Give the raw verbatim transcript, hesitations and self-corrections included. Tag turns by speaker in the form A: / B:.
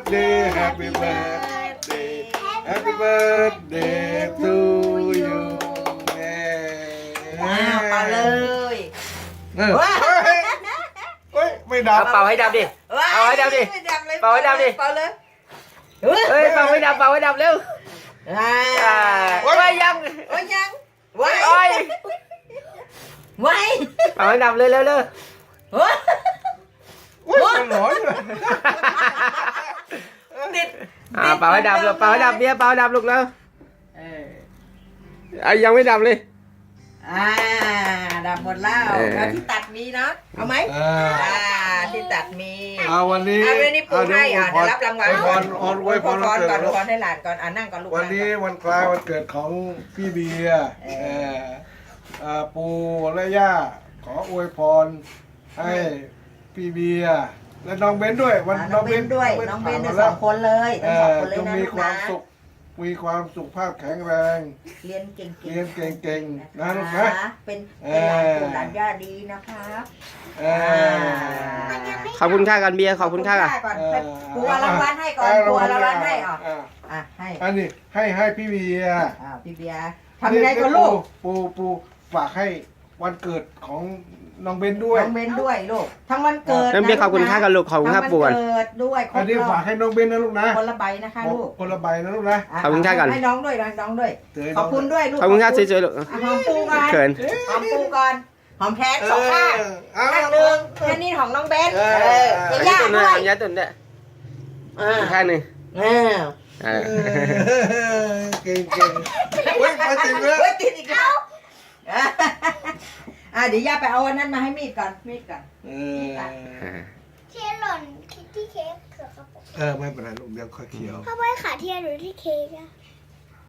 A: birthday Happy birthday Happy birthday to you
B: อ้าวเป่าเลย
A: เออเฮ้ยไม่ดับ
C: เอาเป่าให้ดับดิ เอาให้ดับดิ เป่าให้ดับดิ
B: เป่าเลย
C: เฮ้ยเป่าให้ดับเป่าให้ดับเร็ว
B: อ่า
C: อ่าโอ้ยยัง
B: โอ้ยยังไว้
C: โอ้ย
B: ไว้
C: เป่าให้ดับเลยเร็วเร็ว
B: โอ้ย
A: อุ้ยมันหลอนเลย
B: ติด
C: อ่าเป่าให้ดับเลยเป่าให้ดับเบียร์เป่าให้ดับลูกแล้ว
B: เออ
C: อ่ะยังไม่ดับเลย
B: อ่าดับหมดแล้ว
C: เออ
B: แล้วที่ตัดมีเนาะเอาไหม
A: อ่า
B: อ่าที่ตัดมี
A: เอาวันนี้
B: อ่าวันนี้ปูให้อ่าเดี๋ยวรับรางวัล
A: อวยพรอวยพรอวยพร
B: ก่
A: วั
B: อน
A: นเกิ
B: ก่อน
A: ด
B: ก่อนให้หลานก่อนอ่านั่งก่อนลูก
A: วันนี้วันคล้ายวันเกิดของพี่เบียร์เอ่อเอ่อปู่และย่าขออวยพรให้พี่เบียร์และน้องเบนด้วยวัน
B: อ่าน้องเบนด้วยน้องเบนด้วยสองคนเลยทั้งสองคนเลย
A: จง
B: นะ
A: มี
B: ลูก
A: ควา
B: นะ
A: มสุขมีความสุขภาพแข็งแรง
B: เรียนเก่งๆ
A: เรียนเก่งๆนะลูก
B: นะ
A: นะ
B: เป็นเป็นหลานปู่หลานย่าดีนะครับ
A: เออ
C: ขอบคุณค่ากันเบียร์ขอบคุณค่า
B: ก่
C: กั
B: อน นให้ปูเอารางวัลให้ก่อนปูเอารางวัลให้อ่ะ
A: อ่า
B: อ่ะให้
A: อันนี้ให้ให้พี่เบียร์
B: อ่าพี่เบียร์ทำยังไงกับลูก
A: ปูปูฝากให้วันเกิดของน้องเบนด้วย
B: น้องเบนด้วยลูกทั้งวันเกิด
C: น้องเบียร์ขอบคุณค่ากันลูกขอบคุณค่า
B: ทั้ง
C: ป่ว
B: วัน นเกิดด้วยคร
A: อัน
B: บ
A: นี้
B: รอ
A: ฝาก
B: บ
A: ให้น้องเบนนะลูกนะ
B: คนละใบนะคะลูก
A: คนละใบนะลูกนะ
B: ะ
C: ขอบคุณค่าก่อน
B: ให้น้องด้วยน้องด้วย
A: เจอน้อง
B: ขอบคุณด้วยลูก
C: ขอบคุณค่าสวยๆลูก
B: อ่ะหอมปูก่อน
C: เขิน
B: หอมปูก่อนหอมแขนสองข้าง
A: เออ
B: ข้างหนึ่งแค่นี้ของน้องเบน
A: เออ
B: เออ
C: อัน
B: จะ
C: นี้
B: ยาก
C: ตุ่น
B: ด้
C: นะ
B: วย
C: อันนี้ตุ่นเนี่ย
B: อ่า
C: ข้างหนึ่ง
B: เออ
C: อ่า
A: เก่งเก่งเฮ้ยมาถึงแล้ว
B: เฮ้ยติดอีกแล้วอ่ะเดี๋ยวย่าไปเอาอันนั้นมาให้มีดก่อนมีดก่อน
A: เออ
D: เทียนหล่นที่เค้กเกือบกระปุก
A: เออไม่เป็นไรลูกเดี๋ยวค่อยเคี้ยว
D: พ่อไว้ขาเทียนหรือที่เค้กอะ